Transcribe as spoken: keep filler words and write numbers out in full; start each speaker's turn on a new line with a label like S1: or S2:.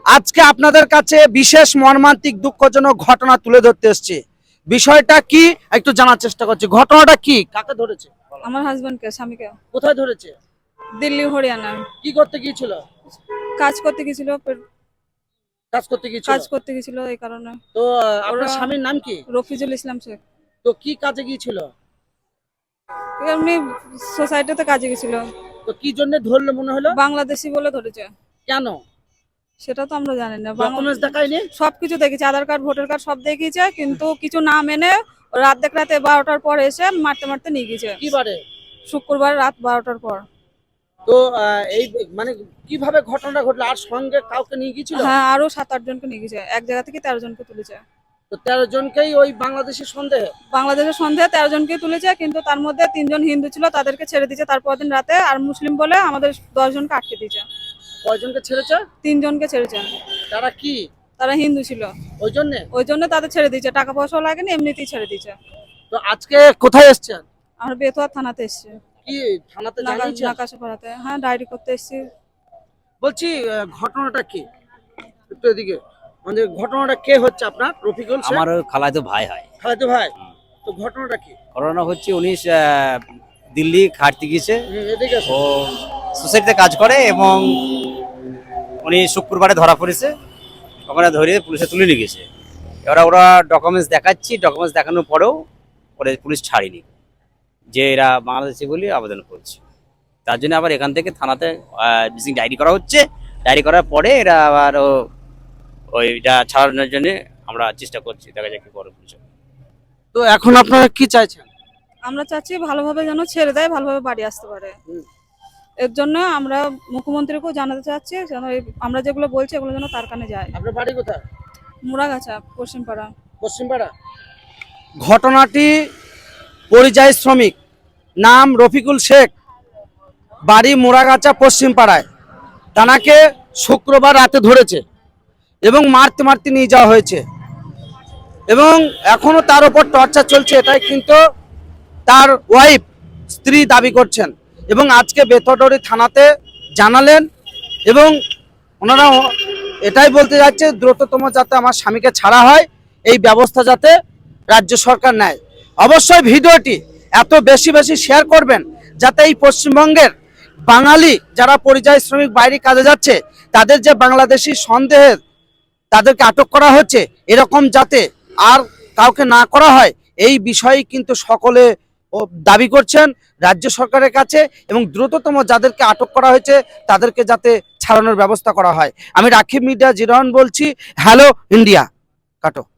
S1: আজকে আপনাদের কাছে বিশেষ মর্মান্তিক দুঃখজনক ঘটনা তুলে ধরতে এসেছি। বিষয়টা কি একটু জানার চেষ্টা করছি। ঘটনাটা কি, কাকে ধরেছে?
S2: আমার হাজবেন্ডকে, স্বামীকে।
S1: কোথায় ধরেছে?
S2: দিল্লি, হরিয়ানা।
S1: কি করতে গিয়েছিল?
S2: কাজ করতে গেছিল,
S1: কাজ করতে গিয়েছিল।
S2: কাজ করতে গেছিল এই কারণে।
S1: তো আহ, আপনার
S2: ওরা-
S1: স্বামীর নাম কি?
S2: রফিজুল ইসলাম শেখ।
S1: তো কি কাজে গিয়েছিল?
S2: এমনি সোসাইটিতে কাজে গেছিল।
S1: তো কি জন্য ধরলো মনে হলো?
S2: বাংলাদেশি বলে ধরেছে।
S1: কেন?
S2: সেটা তো আমরা জানি না।
S1: ডকুমেন্টস দেখায়নি?
S2: সবকিছু দেখেছি, আধার কার্ড, ভোটার কার্ড সব দেখিয়েছে, কিন্তু কিছু না মেনে রাত দেখ রাতে বারোটার পর এসে মারতে মারতে নিয়ে গেছে।
S1: কি বারে?
S2: শুক্রবার রাত বারোটার পর।
S1: তো আহ, এই মানে কিভাবে ঘটনাটা ঘটলো? আর সঙ্গে কাউকে নিয়ে গিয়েছিল?
S2: হ্যাঁ, আরো সাত আট জনকে নিয়ে গেছে। এক জায়গা থেকে তেরো জনকে তুলেছে।
S1: তো তেরো জনকেই ওই বাংলাদেশের সন্দেহ?
S2: বাংলাদেশের সন্দেহে তেরো জনকে তুলেছে, কিন্তু তার মধ্যে তিনজন হিন্দু ছিল, তাদেরকে ছেড়ে দিয়েছে তারপর দিন রাতে। আর মুসলিম বলে আমাদের দশ জনকে আটকে দিয়েছে।
S1: কয়জনকে ছেড়েছে?
S2: তিনজনকে ছেড়েছে।
S1: তারা কি?
S2: তারা হিন্দু ছিল,
S1: ওই জন্য?
S2: ওই জন্য তাদের ছেড়ে দিয়েছে। টাকা পয়সাও লাগেনি, এমনিতেই ছেড়ে দিয়েছে।
S1: তো আজকে কোথায় এসেছেন?
S2: আমরা বেতুয়া থানাতে এসেছি।
S1: কি থানাতে জানিয়েছেন?
S2: নাকাশপাড়াতে, হ্যাঁ, ডায়েরি করতে এসেছি।
S1: বলছি আহ, ঘটনাটা কি একটু এদিকে, মানে ঘটনাটা কে হচ্ছে আপনার? রফিকুল শেখ?
S3: আমার খালাতো ভাই হয়।
S1: খালাতো ভাই। তো ঘটনাটা কি?
S3: করোনা হচ্ছে উনি আহ, দিল্লি খাটতে গিয়েছে।
S1: হুম, এদিকে আসুন।
S3: ও সোসাইটিতে কাজ করে এবং উনি শুক্রবারে ধরা পড়েছে। ওখানে ধরে পুলিশে তুলে নিয়ে গেছে। এবার ওরা ডকুমেন্টস দেখাচ্ছি, ডকুমেন্টস দেখানোর পরেও ওরা পুলিশ ছাড়েনি, যে এরা বাংলাদেশি বলে আবেদন করছে। তার জন্য আবার এখান থেকে থানাতে মিসিং ডায়েরি করা হচ্ছে। ডায়েরি করার পরে এরা আবার ও- ওইটা ছাড়ানোর জন্য আমরা চেষ্টা করছি, দেখা যাক কি করে পুলিশ।
S1: তো এখন আপনারা কি চাইছেন?
S2: আমরা চাচ্ছি ভালোভাবে যেন ছেড়ে দেয়, ভালোভাবে বাড়ি আসতে পারে।
S1: হুম।
S2: এর জন্য আমরা মুখ্যমন্ত্রীকেও জানাতে চাচ্ছি যেন এই- আমরা যেগুলো বলছি এগুলো যেন তার কানে যায়।
S1: আপনার বাড়ি কোথায়?
S2: মুড়াগাছা, পশ্চিমপাড়া।
S1: পশ্চিমপাড়া। ঘটনাটি পরিযায়ী শ্রমিক, নাম রফিকুল শেখ, বাড়ি মোড়াগাছা, পশ্চিমপাড়ায়। তানাকে শুক্রবার রাতে ধরেছে এবং মারতে মারতে নিয়ে যাওয়া হয়েছে এবং এখনো তার উপর টর্চার চলছে, এটাই কিন্তু তার ওয়াইফ, স্ত্রী দাবি করছেন এবং আজকে বেথরডি থানাতে জানালেন এবং ওনারা এটাই বলতে যাচ্ছে দ্রুততম যাতে আমার স্বামীকে ছাড়া হয়, এই ব্যবস্থা যাতে রাজ্য সরকার নেয়। অবশ্যই ভিডিওটি এত বেশি বেশি শেয়ার করবেন যাতে এই পশ্চিমবঙ্গের বাঙালি যারা পরিযায়ী শ্রমিক বাইরে কাজে যাচ্ছে, তাদের যে বাংলাদেশি সন্দেহের তাদেরকে আটক করা হচ্ছে, এরকম যাতে আর কাউকে না করা হয়, এই বিষয়ে কিন্তু সকলে ও দাবি করছেন রাজ্য সরকারের কাছে এবং দ্রুততম যাদেরকে আটক করা হয়েছে তাদেরকে যাতে ছাড়ানোর ব্যবস্থা করা হয়। আমি রাকিব মিডিয়া জিরন বলছি। হ্যালো ইন্ডিয়া, কাটো।